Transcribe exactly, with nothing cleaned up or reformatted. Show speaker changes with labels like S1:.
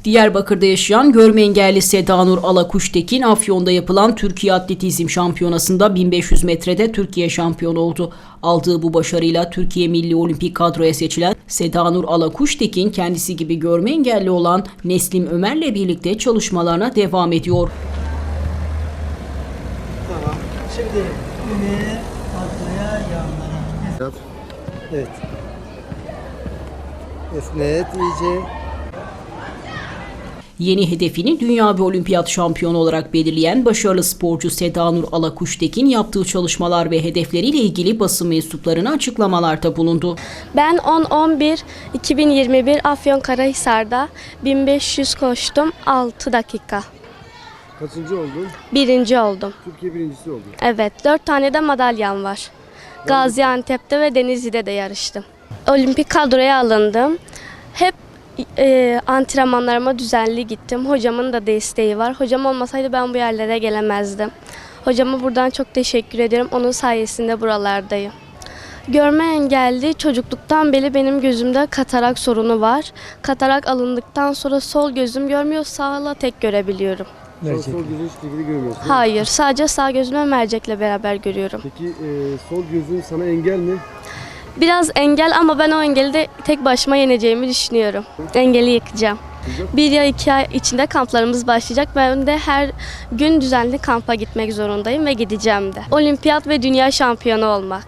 S1: Diyarbakır'da yaşayan görme engelli Sedanur Alakuştekin, Afyon'da yapılan Türkiye Atletizm Şampiyonası'nda bin beş yüz metrede Türkiye şampiyonu oldu. Aldığı bu başarıyla Türkiye Milli Olimpik kadroya seçilen Sedanur Alakuştekin, kendisi gibi görme engelli olan Neslim Ömer'le birlikte çalışmalarına devam ediyor.
S2: Tamam. Şimdi öne, arkaya, yanlara. Evet. Esnet iyice.
S1: Yeni hedefini dünya ve olimpiyat şampiyonu olarak belirleyen başarılı sporcu Sedanur Alakuştekin, yaptığı çalışmalar ve hedefleriyle ilgili basın mensuplarına açıklamalarda bulundu.
S3: Ben on on bir iki bin yirmi bir Afyonkarahisar'da bin beş yüz koştum, altı dakika.
S2: Kaçıncı oldun?
S3: Birinci oldum.
S2: Türkiye birincisi oldun.
S3: Evet, dört tane de madalyam var. Gaziantep'te ve Denizli'de de yarıştım. Olimpik kadroya alındım. Hep e, antrenmanlarıma düzenli gittim. Hocamın da desteği var. Hocam olmasaydı ben bu yerlere gelemezdim. Hocama buradan çok teşekkür ederim. Onun sayesinde buralardayım. Görme engelli çocukluktan beri benim gözümde katarak sorunu var. Katarak alındıktan sonra sol gözüm görmüyor, sağla tek görebiliyorum.
S2: Sol, sol gözün hiçbir şekilde görmüyorsun.
S3: Hayır, sadece sağ gözüme mercekle beraber görüyorum.
S2: Peki e, sol gözün sana engel mi?
S3: Biraz engel ama ben o engeli de tek başıma yeneceğimi düşünüyorum. Engeli yıkacağım. Bir ya iki ay içinde kamplarımız başlayacak. Ben de her gün düzenli kampa gitmek zorundayım ve gideceğim de. Olimpiyat ve dünya şampiyonu olmak.